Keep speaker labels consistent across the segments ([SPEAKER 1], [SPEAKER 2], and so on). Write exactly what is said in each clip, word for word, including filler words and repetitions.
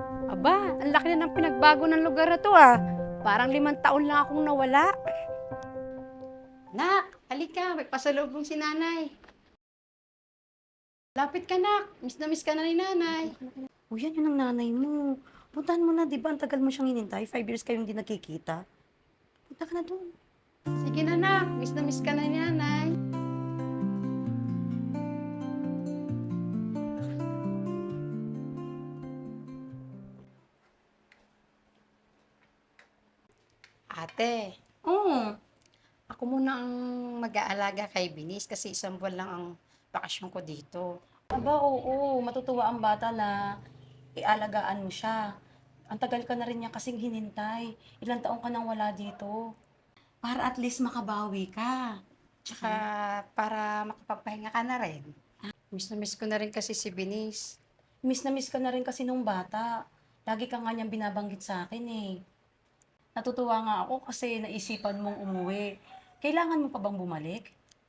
[SPEAKER 1] Aba, ang laki na ng pinagbago ng lugar na 'to, ah. Parang limang taon lang akong nawala. Nak, halika, may pasalubong si nanay. Lapit ka, nak. Miss na miss ka na ni nanay.
[SPEAKER 2] O yan, yun ang nanay mo. Puntahan mo na, di ba? Ang tagal mo siyang hinintay. Five years kayong hindi nakikita. Punta ka na doon.
[SPEAKER 1] Sige na, nak. Miss na miss ka na ni nanay. Ate,
[SPEAKER 2] Oo.
[SPEAKER 1] ako muna ang mag-aalaga kay Binis kasi isang buwan lang ang bakasyon ko dito.
[SPEAKER 2] Aba, oo. Matutuwa ang bata na ialagaan mo siya. Ang tagal ka na rin niya kasing hinintay. Ilang taong ka nang wala dito. Para at least makabawi ka.
[SPEAKER 1] Tsaka para makapagpahinga ka na rin. Miss na miss ko na rin kasi si Binis.
[SPEAKER 2] Miss na miss ka na rin kasi nung bata. Lagi ka nga niyang binabanggit sa akin eh. Natutuwa nga ako kasi naisipan mong umuwi. Kailangan mo pa bang bumalik?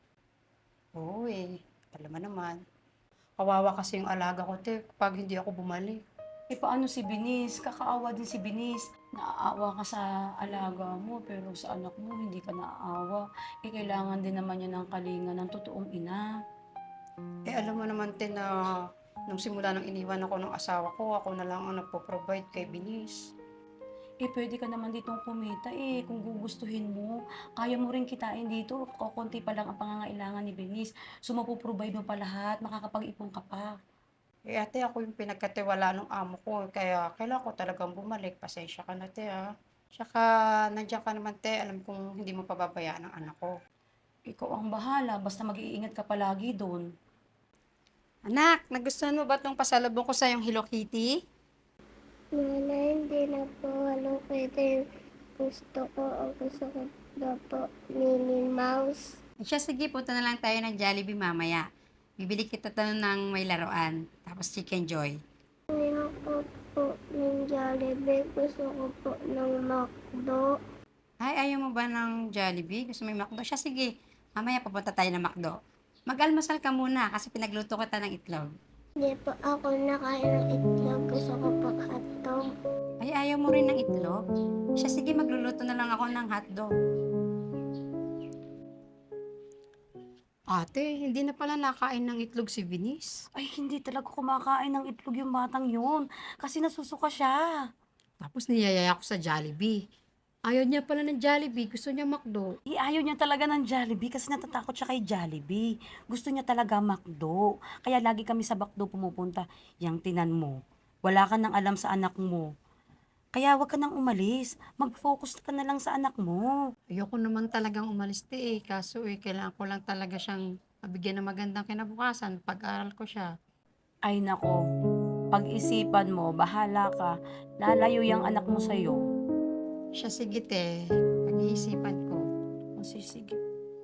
[SPEAKER 1] Oo eh, alam mo naman. Kawawa kasi yung alaga ko, te, pag hindi ako bumalik.
[SPEAKER 2] Eh, paano si Binis? Kakaawa din si Binis. Naaawa ka sa alaga mo, pero sa anak mo, hindi ka naaawa. Eh, kailangan din naman niya ng kalinga ng totoong ina.
[SPEAKER 1] Eh, alam mo naman, te, na nung simula nang iniwan ako ng asawa ko, ako na lang ang nagpo-provide kay Binis.
[SPEAKER 2] Eh, pwede ka naman ditong kumita eh, kung gugustuhin mo. Kaya mo rin kitain dito, kukunti pa lang ang pangangailangan ni Binis. So, mapoprovide mo pa lahat, makakapag-ipon ka pa.
[SPEAKER 1] Eh, ate, ako yung pinagkatiwala ng amo ko, kaya kailangan ko talagang bumalik. Pasensya ka na, te, ha. Tsaka, nandiyan ka naman, te, alam kong hindi mo pababayaan ang anak ko.
[SPEAKER 2] Ikaw ang bahala, basta mag-iingat ka palagi doon.
[SPEAKER 1] Anak, nagustuhan mo ba itong pasalubong ko sa yung Hello Kitty?
[SPEAKER 3] Nanay, hindi na po Hello Kitty. Gusto ko, ang gusto ko na po Minnie Mouse.
[SPEAKER 1] Siya, sige, punta na lang tayo ng Jollibee mamaya. Bibili kita to ng may laruan. Tapos Chicken Joy.
[SPEAKER 3] Ayoko po ng Jollibee. Gusto ko po ng McDo.
[SPEAKER 1] Ay, ayaw mo ba ng Jollibee? Gusto mo yung McDo? Siya, sige. Mamaya papunta tayo ng McDo. Mag-almasal ka muna kasi pinagluto kita ng itlog.
[SPEAKER 3] Hindi po ako nakain ng itlog. Gusto ko po hotdog.
[SPEAKER 1] Ay, ayaw mo rin ng itlog? Siya, sige, magluluto na lang ako ng hotdog. Ate, hindi na pala nakain ng itlog si Vinis.
[SPEAKER 2] Ay, hindi talaga kumakain ng itlog yung batang yun. Kasi nasusuka siya.
[SPEAKER 1] Tapos niyayaya ko sa Jollibee. Ayaw niya pala ng Jollibee, gusto niya McDo.
[SPEAKER 2] Eh, ayaw niya talaga ng Jollibee kasi natatakot siya kay Jollibee. Gusto niya talaga McDo. Kaya lagi kami sa McDo pumupunta. Yang tinan mo, wala ka nang alam sa anak mo. Kaya wag ka nang umalis. Mag-focus ka na lang sa anak mo.
[SPEAKER 1] Ayoko naman talagang umalis te eh, kaso eh, kailangan ko lang talaga siyang mabigyan ng magandang kinabukasan, pag-aral ko siya.
[SPEAKER 2] Ay nako, pag-isipan mo, bahala ka. Lalayo yung anak mo sa'yo.
[SPEAKER 1] Siya, sige te, pag-iisipan ko.
[SPEAKER 2] Kasi sige.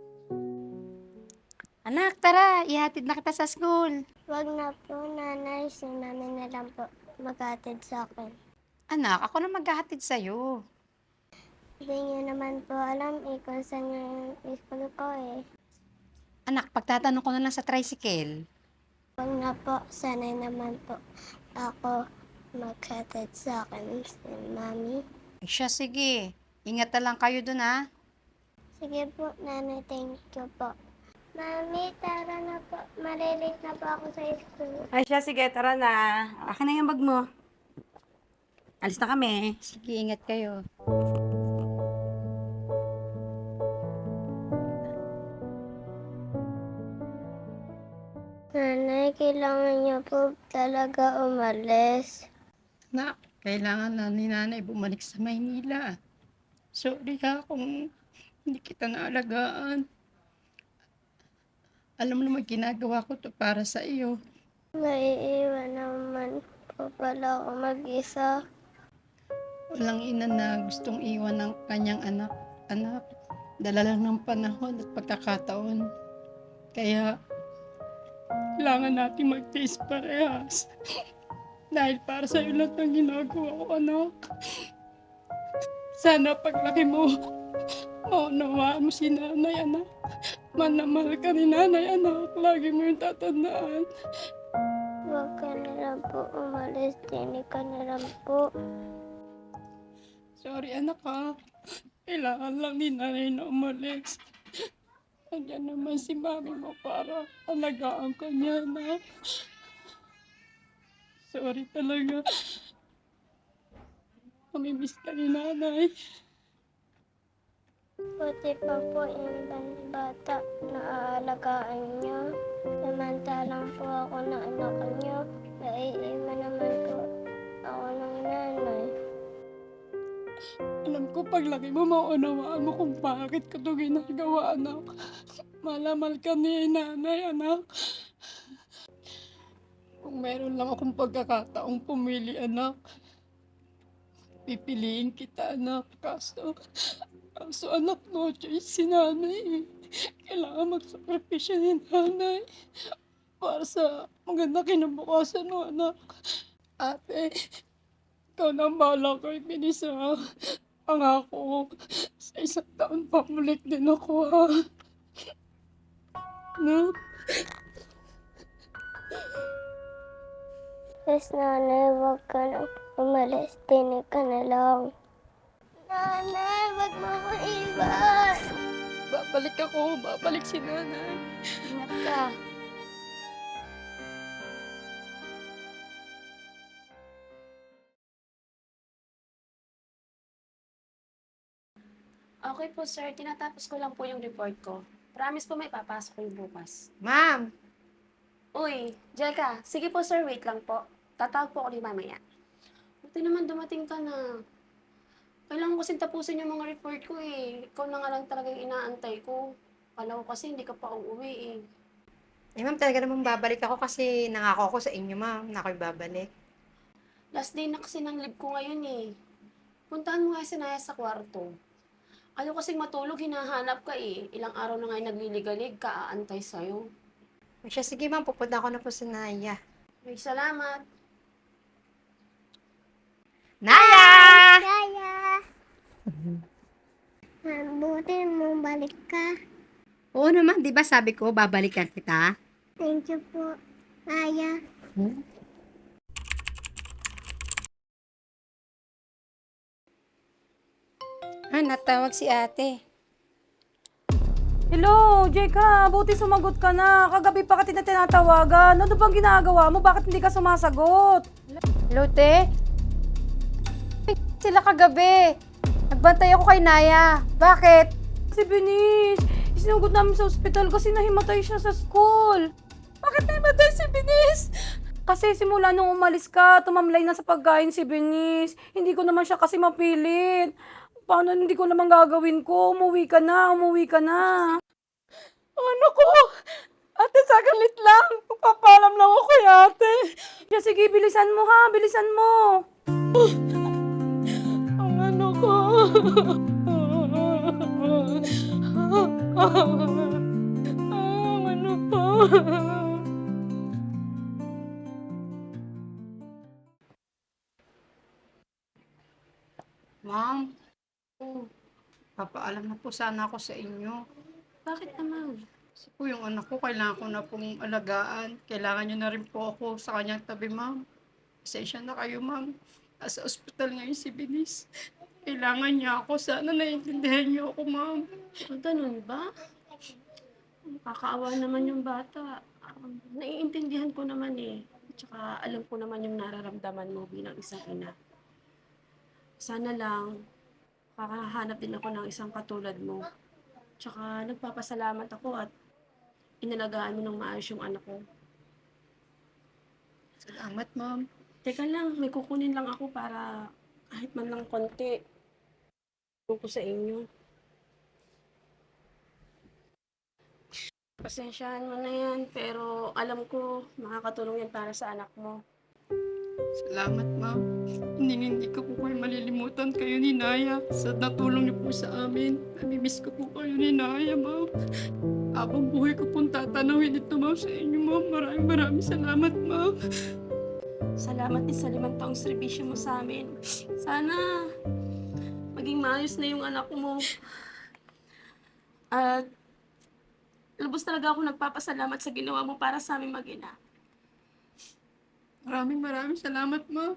[SPEAKER 1] Anak, tara, ihatid na kita sa school.
[SPEAKER 3] Wag na po, nanay. Si mami na lang po maghatid sa akin.
[SPEAKER 1] Anak, ako na maghahatid sa'yo.
[SPEAKER 3] Hindi niyo naman po alam eh kung saan yung school ko eh.
[SPEAKER 1] Anak, pagtatanong ko na lang sa tricycle.
[SPEAKER 3] Wag na po, sanay naman po ako maghatid sa akin si mami.
[SPEAKER 1] Eh, siya, sige. Ingat na lang kayo dun, ha?
[SPEAKER 3] Sige po, nanay, thank you po. Mami, tara na po. Malilate na po ako sa school.
[SPEAKER 2] Ay siya, sige, tara na. Akin na yung bag mo. Alis na kami.
[SPEAKER 1] Sige, ingat kayo.
[SPEAKER 3] Nanay, kailangan niyo po talaga umalis.
[SPEAKER 1] Anak, kailangan na ni nanay bumalik sa Maynila. Sorry ha kung hindi kita naalagaan. Alam mo naman, ginagawa ko to para sa iyo.
[SPEAKER 3] Naiiwan naman po pala ako mag-isa.
[SPEAKER 1] Walang ina na gustong iwan ng kanyang anak. Anak, dala lang ng panahon at pagkakataon. Kaya, kailangan natin mag-taste parehas. Dahil para sa iyo lahat ng ginagawa ko, anak. Sana paglaki mo, maunawaan mo si nanay, anak. Manamahal ka ni nanay, anak. Lagi mo yung tatandaan.
[SPEAKER 3] Huwag ka na lang po umalis. Tinig ka na lang po.
[SPEAKER 1] Sorry anak ha. Kailangan lang ni nanay na umalis. Nandiyan naman si mami mo para alagaan ka niya, anak. Sorry talaga. Mamimiss ka ni nanay.
[SPEAKER 3] Buti pa po yung ibang bata na aalagaan niyo. Samantalang po ako na anak niyo. Naiiwan naman po ako ng nanay.
[SPEAKER 1] Alam ko paglaki mo, maunawaan mo kung bakit ko ito ginagawa, anak. Malamal ka ni nanay, anak. Kung meron lang akong pagkakataong pumili, anak, pipiliin kita, anak. Kaso, kaso anak, no choice si nanay. Kailangan magsakripisyo ni nanay para sa maganda kinabukasan mo, anak. Ate, ikaw na ang bahala kay Binisa. Pangako, sa isang taon pabalik din ako, ha? No?
[SPEAKER 3] Yes, nanay, huwag ka na umalis. Tinig ka na lang. Nanay, huwag mo ko iwan.
[SPEAKER 1] Babalik ako, babalik si nanay.
[SPEAKER 2] Ingat ka. Okay po, sir. Tinatapos ko lang po yung report ko. Promise po may papasok ko yung bukas.
[SPEAKER 4] Ma'am,
[SPEAKER 2] Uy, Jeka. Sige po, sir. Wait lang po. Tatawag po ako ni mamaya. Buti naman dumating ka na. Kailangan ko kasing tapusin yung mga report ko eh. Ikaw na nga lang talaga yung inaantay ko. Kala ko kasi hindi ka pa uuwi eh.
[SPEAKER 4] eh ma'am talaga namang babalik ako kasi nangako ako sa inyo ma'am na ako'y babalik.
[SPEAKER 2] Last day na kasi ng leave ko ngayon eh. Puntahan mo nga si Naya sa kwarto. Ayaw kasing matulog, hinahanap ka eh. Ilang araw na nga yung nagliligalig ka, aantay sa'yo.
[SPEAKER 4] O siya, sige ma'am, pupunta ako na po sa Naya.
[SPEAKER 2] Ay, salamat.
[SPEAKER 4] Naya!
[SPEAKER 3] Kaya. Mabuti mo balik ka.
[SPEAKER 4] Oo naman, di ba sabi ko babalikan kita?
[SPEAKER 3] Thank you po. Kaya.
[SPEAKER 4] Ah, natawag si ate.
[SPEAKER 2] Hello, Jeka. Buti sumagot ka na. Kagabi pa kita tinatawagan. Ano bang ginagawa mo? Bakit hindi ka sumasagot?
[SPEAKER 4] Hello, te? Ay, sila kagabi. Nagbantay ako kay Naya. Bakit?
[SPEAKER 2] Si Binis, isinugod namin sa ospital kasi nahimatay siya sa school.
[SPEAKER 1] Bakit namatay si Binis?
[SPEAKER 2] Kasi simula nung umalis ka, tumamlay na sa pagkain si Binis. Hindi ko naman siya kasi mapilit. Paano hindi ko naman gagawin ko? Umuwi ka na, umuwi ka na.
[SPEAKER 1] Ano ko? Ate, sagalit lang. Magpapalam lang ako kay ate.
[SPEAKER 2] Yeah, sige, bilisan mo ha, bilisan mo.
[SPEAKER 1] Ang ano ko. Ang ano ko. Ma'am,
[SPEAKER 2] Oh,
[SPEAKER 1] papaalam na po sana ako sa inyo.
[SPEAKER 2] bakit naman?
[SPEAKER 1] Kasi po yung anak ko, kailangan ko na pong alagaan. Kailangan niyo na rin po ako sa kanyang tabi, ma'am. Pasensya na kayo, ma'am. Nasa ospital ngayon si Binis. Kailangan niya ako. Sana naiintindihan niyo ako, ma'am.
[SPEAKER 2] Ah, ganun ba? Nakakaawa naman yung bata. Um, naiintindihan ko naman eh. Tsaka alam ko naman yung nararamdaman mo bilang isang ina. Sana lang, kakahanap din ako ng isang katulad mo. Tsaka nagpapasalamat ako at inalagaan mo ng maayos yung anak ko.
[SPEAKER 1] Salamat, ma'am.
[SPEAKER 2] Teka lang, may kukunin lang ako para kahit man lang konti. Tulong ko sa inyo. Pasensyahan mo na yan, pero alam ko makakatulong yan para sa anak mo.
[SPEAKER 1] Salamat, ma'am. Hindi, hindi ko po kayo malilimutan kayo ni Naya sa natulong niyo po sa amin. Namimiss ko po kayo ni Naya, ma'am. Habang buhay ko pong tatanawin ito, ma'am, sa inyo, ma'am. Maraming maraming salamat, ma'am.
[SPEAKER 2] Salamat din sa limang taong serbisyo mo sa amin. Sana maging maayos na yung anak mo. At lubos talaga ako nagpapasalamat sa ginawa mo para sa aming mag-ina.
[SPEAKER 1] Maraming maraming salamat, ma.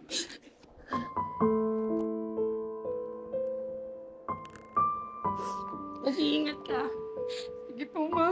[SPEAKER 1] Mag-iingat ka. Sige po, ma.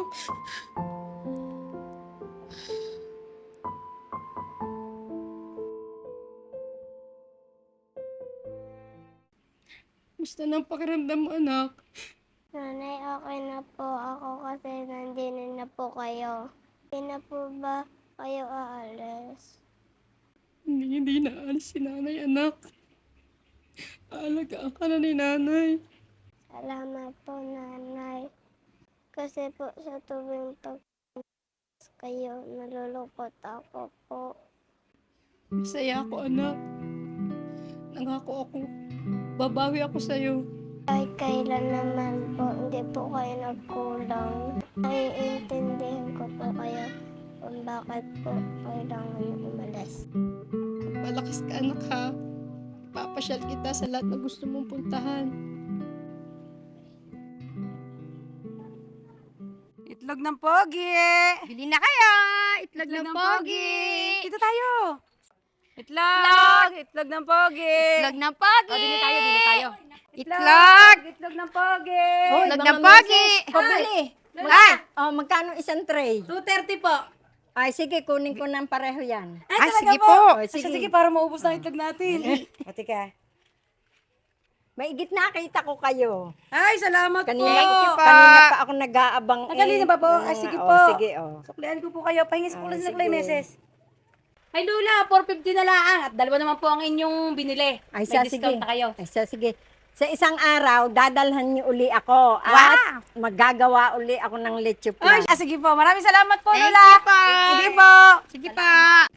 [SPEAKER 1] Gusto ng pakiramdam mo, anak?
[SPEAKER 3] Nanay, okay na po ako kasi nandito na po kayo. Hindi na po ba kayo aalis?
[SPEAKER 1] Hindi, hindi na alis si nanay, anak. Aalagaan ka na ni nanay.
[SPEAKER 3] Salamat po, nanay. Kasi po sa tuwing pag kayo, nalulungkot ako po.
[SPEAKER 1] Masaya ako, anak. Nangako ako. Babawi ako sa'yo.
[SPEAKER 3] Kahit kailan naman po, hindi po kayo nagkulang. Naiintindihan ko po kayo kung bakit po kailangan umalis.
[SPEAKER 1] Malakas ka, anak, ha? Papasyal kita sa lahat na gusto mong puntahan.
[SPEAKER 2] Itlog ng pogi!
[SPEAKER 4] Bili na kayo! Itlog
[SPEAKER 2] Itlog
[SPEAKER 4] ng
[SPEAKER 2] ng
[SPEAKER 4] pogi!
[SPEAKER 2] Dito tayo! Itlog! Itlog ng pogi!
[SPEAKER 4] Itlog ng pogi!
[SPEAKER 2] O, dili tayo, dili tayo.
[SPEAKER 4] Itlog!
[SPEAKER 2] Itlog ng pogi!
[SPEAKER 4] Itlog ng pogi!
[SPEAKER 5] Pabili.
[SPEAKER 4] Ay!
[SPEAKER 5] Oh, magkano isang tray?
[SPEAKER 2] two thirty po.
[SPEAKER 5] Ay, sige, kunin ko ng pareho yan.
[SPEAKER 2] Ay,
[SPEAKER 4] Ay,
[SPEAKER 2] talaga
[SPEAKER 4] sige
[SPEAKER 2] po.
[SPEAKER 4] po.
[SPEAKER 5] Oh,
[SPEAKER 2] Ay,
[SPEAKER 5] sige.
[SPEAKER 2] sige, para maubos na itlog natin.
[SPEAKER 5] Ate ka. Maigit nakita ko kayo.
[SPEAKER 2] Ay, salamat
[SPEAKER 5] Kanina,
[SPEAKER 2] po.
[SPEAKER 5] kanina pa ako nag-aabang.
[SPEAKER 2] Ah, kanina ba po? Ay, sige
[SPEAKER 5] oh,
[SPEAKER 2] po.
[SPEAKER 5] sige, oh.
[SPEAKER 2] Suklian ko po kayo. Pahingis po
[SPEAKER 5] Ah,
[SPEAKER 2] lang sa
[SPEAKER 5] sige.
[SPEAKER 2] meses. Ay, Lola, four fifty na lang. At dalawa naman po ang inyong binili.
[SPEAKER 5] Ay,
[SPEAKER 2] May
[SPEAKER 5] siya,
[SPEAKER 2] discount
[SPEAKER 5] sige.
[SPEAKER 2] na kayo.
[SPEAKER 5] Ay, siya, sige. Sa isang araw, dadalhan niyo uli ako. At magagawa uli ako ng leche
[SPEAKER 2] Ay,
[SPEAKER 5] plan.
[SPEAKER 2] ah, sige po. Maraming salamat po,
[SPEAKER 4] Thank
[SPEAKER 2] Lola.
[SPEAKER 4] you po.
[SPEAKER 2] Sige po.
[SPEAKER 4] Sige pa!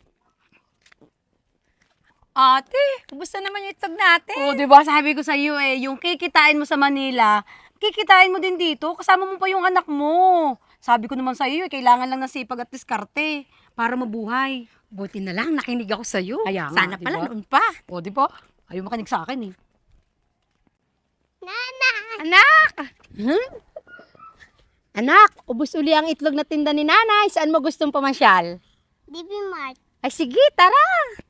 [SPEAKER 4] Ate, kumusta naman yung itlog natin?
[SPEAKER 2] Oo, di ba? Sabi ko sa iyo eh, yung kikitain mo sa Manila, kikitain mo din dito. Kasama mo pa yung anak mo. Sabi ko naman sa iyo, eh, kailangan lang ng sipag at diskarte para mabuhay.
[SPEAKER 4] Buti na lang, nakinig ako sa'yo.
[SPEAKER 2] Kaya nga,
[SPEAKER 4] Sana
[SPEAKER 2] di
[SPEAKER 4] pala
[SPEAKER 2] ba?
[SPEAKER 4] noon pa.
[SPEAKER 2] O, di ba? Ayaw makinig sa akin eh.
[SPEAKER 4] Anak! Hmm? Anak, ubos uli ang itlog na tinda ni nanay. Saan mo gustong pamasyal?
[SPEAKER 3] D B Mart.
[SPEAKER 4] Ay sige, tara!